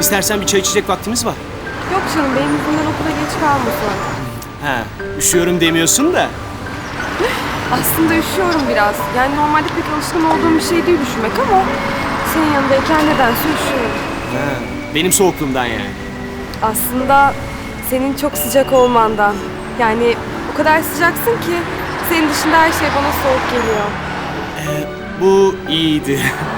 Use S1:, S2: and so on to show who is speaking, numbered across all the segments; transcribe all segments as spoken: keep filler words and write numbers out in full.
S1: İstersen bir çay içecek vaktimiz var.
S2: Yok canım, benim yüzümden okula geç kalmasın.
S1: Ha, üşüyorum demiyorsun da.
S2: Aslında üşüyorum biraz. Yani normalde pek alışkın olduğum bir şey değil üşümek ama senin yanındayken nedense üşüyorum.
S1: Ha, benim soğukluğumdan yani.
S2: Aslında senin çok sıcak olmandan. Yani o kadar sıcaksın ki senin dışında her şey bana soğuk geliyor.
S1: Ee, bu iyiydi.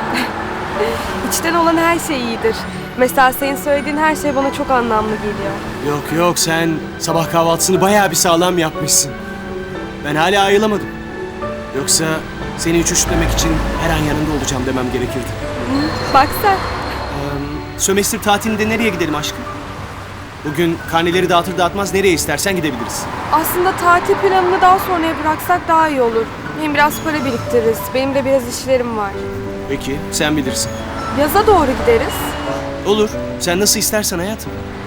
S2: İçten olan her şey iyidir. Mesela senin söylediğin her şey bana çok anlamlı geliyor.
S1: Yok yok, sen sabah kahvaltısını bayağı bir sağlam yapmışsın. Ben hala ayılamadım. Yoksa seni hiç üşütmemek için her an yanında olacağım demem gerekirdi.
S2: Bak sen.
S1: Ee, sömestr tatilinde nereye gidelim aşkım? Bugün karneleri dağıtır dağıtmaz nereye istersen gidebiliriz.
S2: Aslında tatil planını daha sonraya bıraksak daha iyi olur. Hem biraz para biriktiririz. Benim de biraz işlerim var.
S1: Peki, sen bilirsin.
S2: Yaza doğru gideriz.
S1: Olur, sen nasıl istersen hayatım.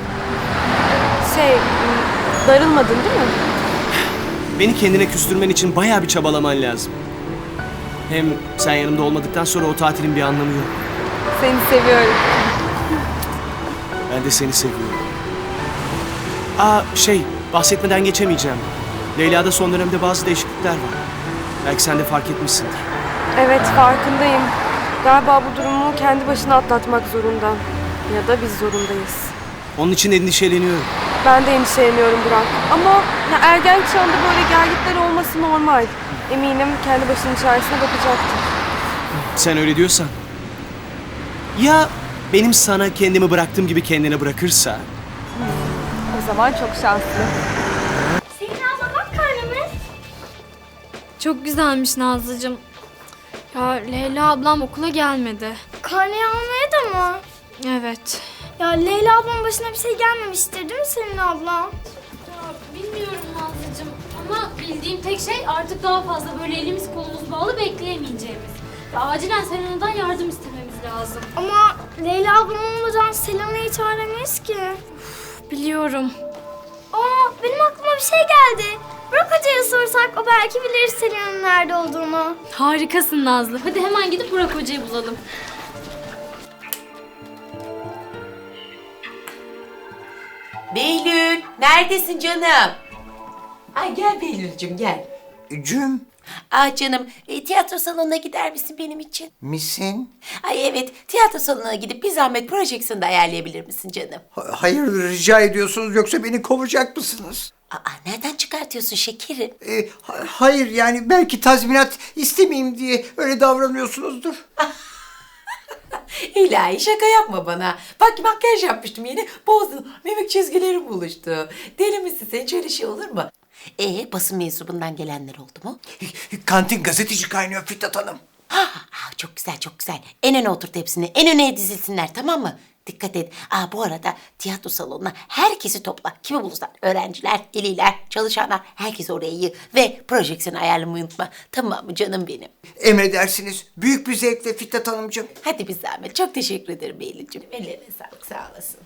S2: Şey, m, darılmadın değil mi?
S1: Beni kendine küstürmen için bayağı bir çabalaman lazım. Hem sen yanımda olmadıktan sonra o tatilin bir anlamı yok.
S2: Seni seviyorum.
S1: Ben de seni seviyorum. Aa şey, bahsetmeden geçemeyeceğim. Leyla'da son dönemde bazı değişiklikler var. Belki sen de fark etmişsindir.
S2: Evet, farkındayım. Galiba bu durumu kendi başına atlatmak zorunda. Ya da biz zorundayız.
S1: Onun için endişeleniyorum.
S2: Ben de endişeleniyorum Burak. Ama ya ergen çağında böyle gerginlikler olması normal. Eminim kendi başının çaresine bakacaktır.
S1: Sen öyle diyorsan. Ya benim sana kendimi bıraktığım gibi kendine bırakırsa?
S2: O zaman çok şanslı.
S3: Selin abla bak karnımız.
S4: Çok güzelmiş Nazlıcığım. Ya Leyla ablam okula gelmedi.
S3: Karneyi almaya da mı?
S4: Evet.
S3: Ya Leyla ablamın başına bir şey gelmemiştir değil mi Selin abla?
S4: Ya bilmiyorum Nazlıcığım ama bildiğim tek şey artık daha fazla böyle elimiz kolumuz bağlı bekleyemeyeceğimiz. Ya acilen Selena'dan yardım istememiz lazım.
S3: Ama Leyla ablam olmadan Selena'yı çağıramayız ki.
S4: Biliyorum.
S3: Aa benim aklıma bir şey geldi. Burak Hoca'ya sorsak o belki bilir Selena'nın nerede olduğunu.
S4: Harikasın Nazlı. Hadi hemen gidip Burak Hoca'yı bulalım.
S5: Behlül, neredesin canım? Ay gel Behlül'cüm gel.
S6: Cüm
S5: Ah canım, e, tiyatro salonuna gider misin benim için?
S6: misin?
S5: Ay evet, tiyatro salonuna gidip bir zahmet projeksiyonu da ayarlayabilir misin canım?
S6: Ha- Hayırdır rica ediyorsunuz yoksa beni kovacak mısınız?
S5: Aa, nereden çıkartıyorsun şekerim?
S6: Ee, ha- hayır yani belki tazminat istemeyeyim diye öyle davranıyorsunuzdur.
S5: İlahi şaka yapma bana. Bak makyaj yapmıştım yeni, bozdun. Mimik çizgilerim buluştu. Deli misin sen, hiç öyle şey olur mu? Ee, basın mensubundan gelenler oldu mu?
S6: Kantin gazeteci kaynıyor Fitnat Hanım.
S5: Ha, ah, çok güzel, çok güzel. En öne oturt hepsini, en öne dizilsinler, tamam mı? Dikkat et. Aa, bu arada tiyatro salonuna herkesi topla. Kimi bulursan, öğrenciler, veliler, çalışanlar, herkesi oraya yığ. Ve projeksiyonu ayarlamayı unutma. Tamam mı canım benim?
S6: Emredersiniz. Büyük bir zevkle Fitnat Hanımcığım.
S5: Hadi bir zahmet. Çok teşekkür ederim Beyli'cim. Ellerine sağlık, sağ olasın.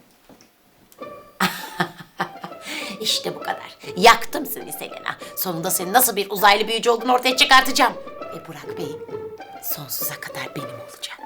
S5: İşte bu kadar. Yaktım seni Selena. Sonunda senin nasıl bir uzaylı büyücü olduğunu ortaya çıkartacağım. Ve Burak Bey sonsuza kadar benim olacak.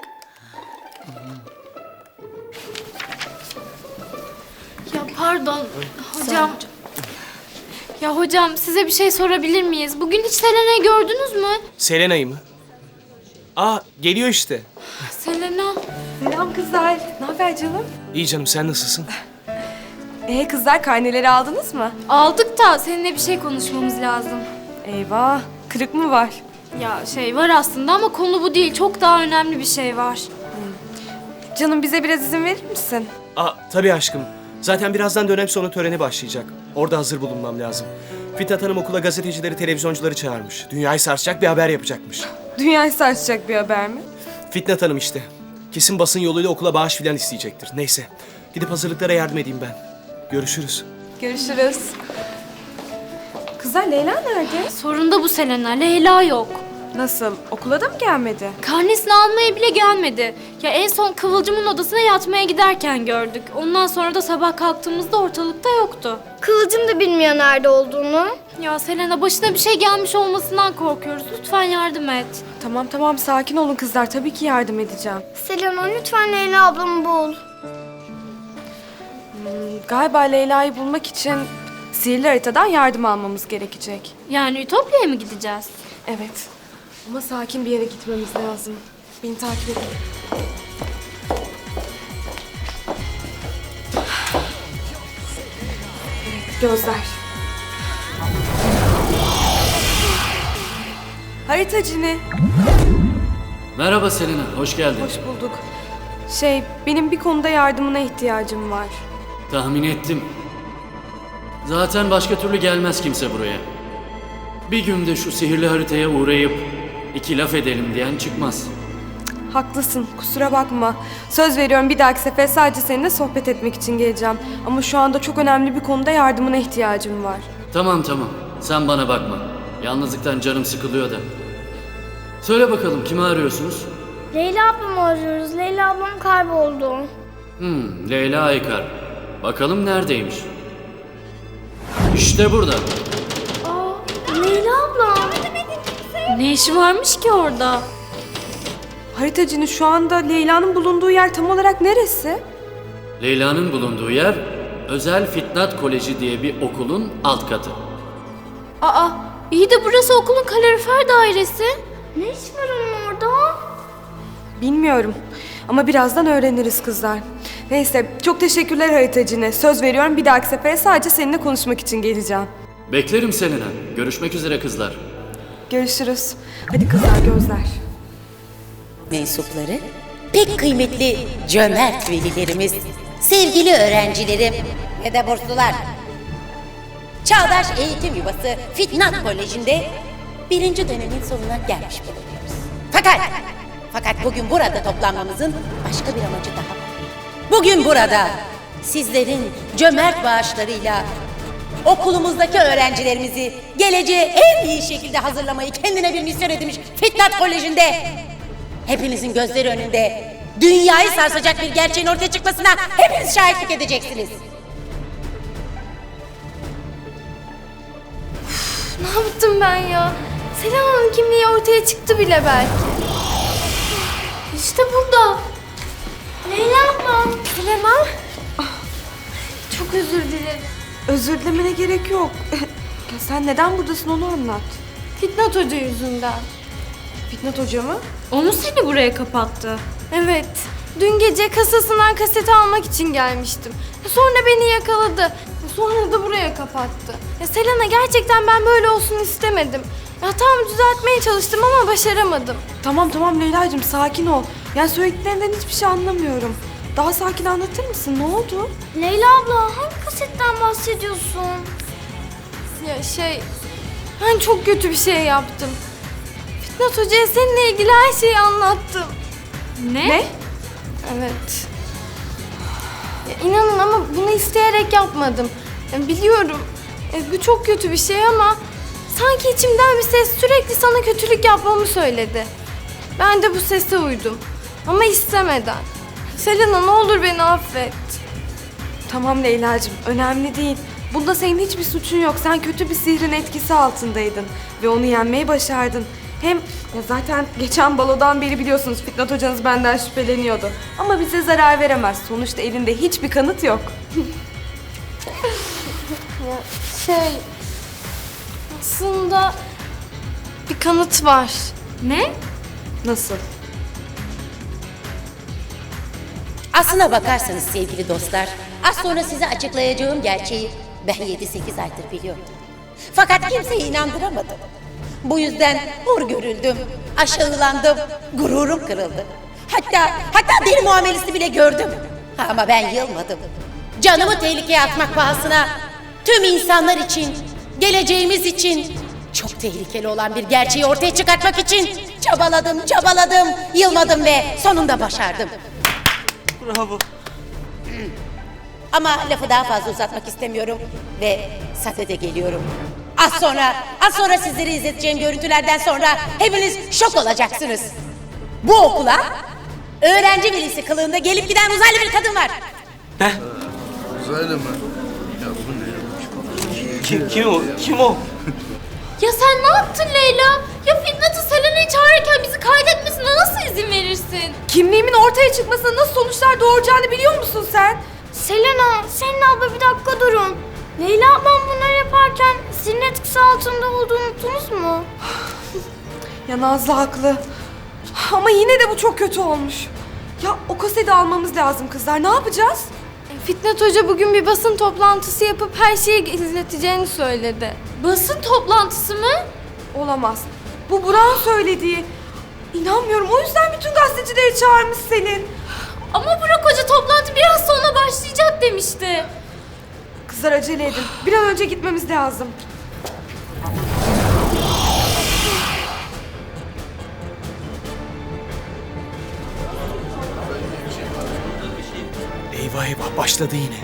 S4: Ya pardon hocam. Ya hocam size bir şey sorabilir miyiz? Bugün hiç Selena'yı gördünüz mü?
S1: Selena'yı mı? Aa, geliyor işte.
S4: Selena.
S2: Selam kızlar. Ne haber canım?
S1: İyi canım, sen nasılsın?
S2: Ee kızlar, karneleri aldınız mı?
S4: Aldık da seninle bir şey konuşmamız lazım.
S2: Eyvah. Kırık mı var?
S4: Ya şey var aslında ama konu bu değil. Çok daha önemli bir şey var.
S2: Canım, bize biraz izin verir misin?
S1: Aa, tabii aşkım. Zaten birazdan dönem sonu töreni başlayacak. Orada hazır bulunmam lazım. Fitnat Hanım okula gazetecileri, televizyoncuları çağırmış. Dünyayı sarsacak bir haber yapacakmış.
S2: Dünyayı sarsacak bir haber mi?
S1: Fitnat Hanım işte. Kesin basın yoluyla okula bağış filan isteyecektir. Neyse. Gidip hazırlıklara yardım edeyim ben. Görüşürüz.
S2: Görüşürüz. Kızlar, Leyla nerede?
S4: Sorun da bu Selena. Leyla yok.
S2: Nasıl? Okula da mı gelmedi?
S4: Karnesini almaya bile gelmedi. Ya en son Kıvılcım'ın odasına yatmaya giderken gördük. Ondan sonra da sabah kalktığımızda ortalıkta yoktu.
S3: Kıvılcım da bilmiyor nerede olduğunu.
S4: Ya Selena, başına bir şey gelmiş olmasından korkuyoruz. Lütfen yardım et.
S2: Tamam tamam sakin olun kızlar. Tabii ki yardım edeceğim.
S3: Selena lütfen Leyla ablamı bul.
S2: Galiba Leyla'yı bulmak için sihirli haritadan yardım almamız gerekecek.
S4: Yani Ütopya'ya mı gideceğiz?
S2: Evet. Ama sakin bir yere gitmemiz lazım. Beni takip edin. Evet, gözler. Haritacını.
S7: Merhaba Selena, hoş geldin.
S2: Hoş bulduk. Şey, benim bir konuda yardımına ihtiyacım var.
S7: Tahmin ettim. Zaten başka türlü gelmez kimse buraya. Bir günde şu sihirli haritaya uğrayıp iki laf edelim diyen çıkmaz.
S2: Haklısın, kusura bakma. Söz veriyorum bir dahaki sefer sadece seninle sohbet etmek için geleceğim. Ama şu anda çok önemli bir konuda yardımına ihtiyacım var.
S7: Tamam tamam, sen bana bakma. Yalnızlıktan canım sıkılıyor da. Söyle bakalım, kimi arıyorsunuz?
S3: Leyla ablamı arıyoruz. Leyla ablam kayboldu.
S7: Hmm, Leyla Aykar. Bakalım neredeymiş? İşte burada.
S3: Aa, Leyla ablam.
S4: Ne işi varmış ki orada?
S2: Haritacını şu anda Leyla'nın bulunduğu yer tam olarak neresi?
S7: Leyla'nın bulunduğu yer, Özel Fitnat Koleji diye bir okulun alt katı.
S4: Aa, iyi de burası okulun kalorifer dairesi.
S3: Ne iş var onun orada?
S2: Bilmiyorum. Ama birazdan öğreniriz kızlar. Neyse, çok teşekkürler haritacını. Söz veriyorum bir dahaki sefere sadece seninle konuşmak için geleceğim.
S7: Beklerim Selena. Görüşmek üzere kızlar.
S2: Görüşürüz. Hadi kızlar, gözler.
S5: Mensupları, pek kıymetli cömert velilerimiz, sevgili öğrencilerim ve de burslular. Çağdaş Eğitim Yuvası Fitnat Koleji'nde birinci dönemin sonuna gelmiş bulunuyoruz. Fakat, fakat bugün burada toplanmamızın başka bir amacı daha var. Bugün burada sizlerin cömert bağışlarıyla okulumuzdaki öğrencilerimizi geleceğe en iyi şekilde hazırlamayı kendine bir misyon edinmiş Fitnat Koleji'nde hepinizin gözleri önünde dünyayı sarsacak bir gerçeğin ortaya çıkmasına hepiniz şahitlik edeceksiniz.
S3: Ne yaptım ben ya? Selena'nın kimliği ortaya çıktı bile belki. İşte burada. Leyla ablam. Selena. Çok özür dilerim.
S2: Özür dilemene gerek yok. Ya sen neden buradasın onu anlat.
S3: Fitnat Hoca yüzünden.
S2: Fitnat Hoca mı?
S4: O mu seni buraya kapattı?
S3: Evet. Dün gece kasasından kaseti almak için gelmiştim. Sonra beni yakaladı. Sonra da buraya kapattı. Ya Selena, gerçekten ben böyle olsun istemedim. Ya tam düzeltmeye çalıştım ama başaramadım.
S2: Tamam tamam Leyla'cığım sakin ol. Yani söylediklerinden hiçbir şey anlamıyorum. Daha sakin anlatır mısın? Ne oldu?
S3: Leyla abla, hangi kasetten bahsediyorsun? Ya şey, ben çok kötü bir şey yaptım. Fitnat Hoca'ya seninle ilgili her şeyi anlattım.
S4: Ne?
S2: Ne?
S3: Evet. Ya inanın ama bunu isteyerek yapmadım. Ya biliyorum, e, bu çok kötü bir şey ama sanki içimden bir ses sürekli sana kötülük yapmamı söyledi. Ben de bu sese uydum. Ama istemeden. Selena, ne olur beni affet.
S2: Tamam Leyla'cığım önemli değil. Bunda senin hiçbir suçun yok. Sen kötü bir sihrin etkisi altındaydın. Ve onu yenmeyi başardın. Hem ya zaten geçen balodan beri biliyorsunuz Fitnat hocanız benden şüpheleniyordu. Ama bize zarar veremez. Sonuçta elinde hiçbir kanıt yok.
S3: Ya şey, aslında bir kanıt var.
S4: Ne?
S2: Nasıl?
S5: Aslına bakarsanız sevgili dostlar, az sonra size açıklayacağım gerçeği ben yedi sekiz aydır biliyordum. Fakat kimseyi inandıramadım. Bu yüzden hor görüldüm, aşağılandım, gururum kırıldı. Hatta, hatta deli muamelesi bile gördüm. Ama ben yılmadım. Canımı tehlikeye atmak pahasına tüm insanlar için, geleceğimiz için çok tehlikeli olan bir gerçeği ortaya çıkartmak için çabaladım, çabaladım, yılmadım ve sonunda başardım.
S6: Bravo.
S5: Ama lafı daha fazla uzatmak istemiyorum ve sadede geliyorum. Az sonra, az sonra sizleri izleteceğim görüntülerden sonra hepiniz şok olacaksınız. Bu okula öğrenci velisi kılığında gelip giden uzaylı bir kadın var.
S8: Uzaylı mı? Ya bu ne?
S1: Kim, kim o? Kim o?
S4: Ya sen ne yaptın Leyla? Ya Fitnat'ı Selena'yı çağırırken bizi kaydetmesine nasıl izin verirsin?
S2: Kimliğimin ortaya çıkmasına nasıl sonuçlar doğuracağını biliyor musun sen?
S3: Selena, Selin abla bir dakika durun. Leyla ablam bunları yaparken sizin etkisi altında olduğunu unuttunuz mu?
S2: Ya Nazlı haklı. Ama yine de bu çok kötü olmuş. Ya o kaseti almamız lazım kızlar. Ne yapacağız?
S3: E, Fitnat Hoca bugün bir basın toplantısı yapıp her şeyi izleteceğini söyledi.
S4: Basın toplantısı mı?
S2: Olamaz. Bu Burak'ın söylediği. İnanmıyorum. O yüzden bütün gazetecileri çağırmış Selin.
S4: Ama Burak Hoca toplantı biraz sonra başlayacak demişti.
S2: Kızlar acele edin. Bir an önce gitmemiz lazım.
S1: Eyvah eyvah başladı yine.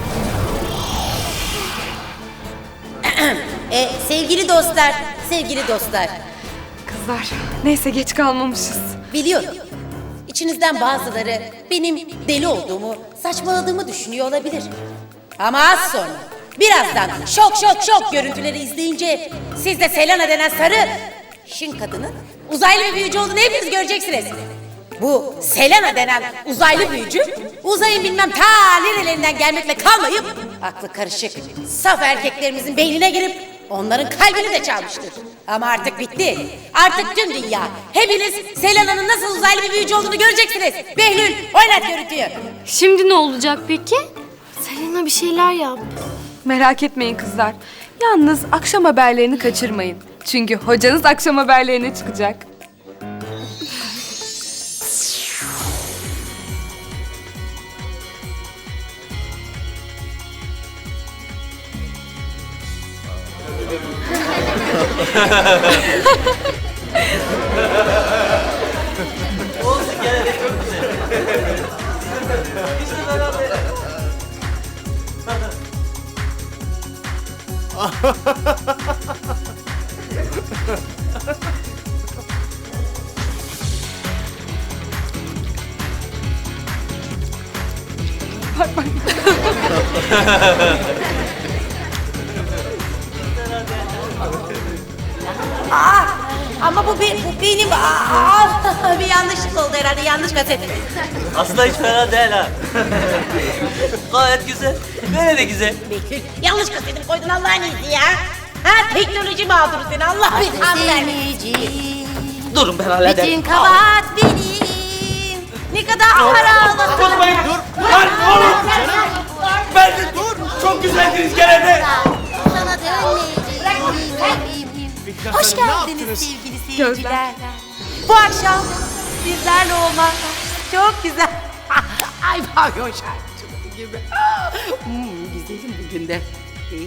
S5: E, sevgili dostlar, sevgili dostlar.
S2: Kızlar neyse geç kalmamışız.
S5: Biliyorum. İçinizden bazıları benim deli olduğumu, saçmaladığımı düşünüyor olabilir. Ama az sonra, birazdan şok şok şok görüntüleri izleyince siz de Selena denen sarı şın kadının uzaylı bir büyücü olduğunu hepiniz göreceksiniz. Bu Selena denen uzaylı büyücü uzayın bilmem ta nerelerinden gelmekle kalmayıp aklı karışık saf erkeklerimizin beynine girip onların kalbini de çalmıştır. Ama artık bitti. Artık tüm dünya hepiniz Selena'nın nasıl uzaylı bir büyücü olduğunu göreceksiniz. Behlül oynat görüntüyü.
S4: Şimdi ne olacak peki?
S3: Selena bir şeyler yap.
S2: Merak etmeyin kızlar. Yalnız akşam haberlerini kaçırmayın. Çünkü hocanız akşam haberlerine çıkacak.
S5: Ama bu, bir, bu benim aa, bir yanlışlık oldu herhalde, yanlış kaset.
S9: Aslında hiç fena değil ha. Gayet güzel. Böyle de güzel.
S5: Behlül yanlış kasetimi koydun Allah'ın izni ya. Ha teknoloji mağduru seni Allah belanı vermesin.
S9: Durun ben hallederim.
S5: Bütün kabahat benim. Ne kadar ağır
S9: Durmayın dur. Lan oğlum. Ben de dur. Çok güzeldiniz gene de.
S5: Sana dönmeyeceğim. Hoş geldiniz sevgili seyirciler. Bu akşam sizlerle olmak çok güzel. Ay pavyon şarkıcılığı gibi. Hmm, güzelim bugün de.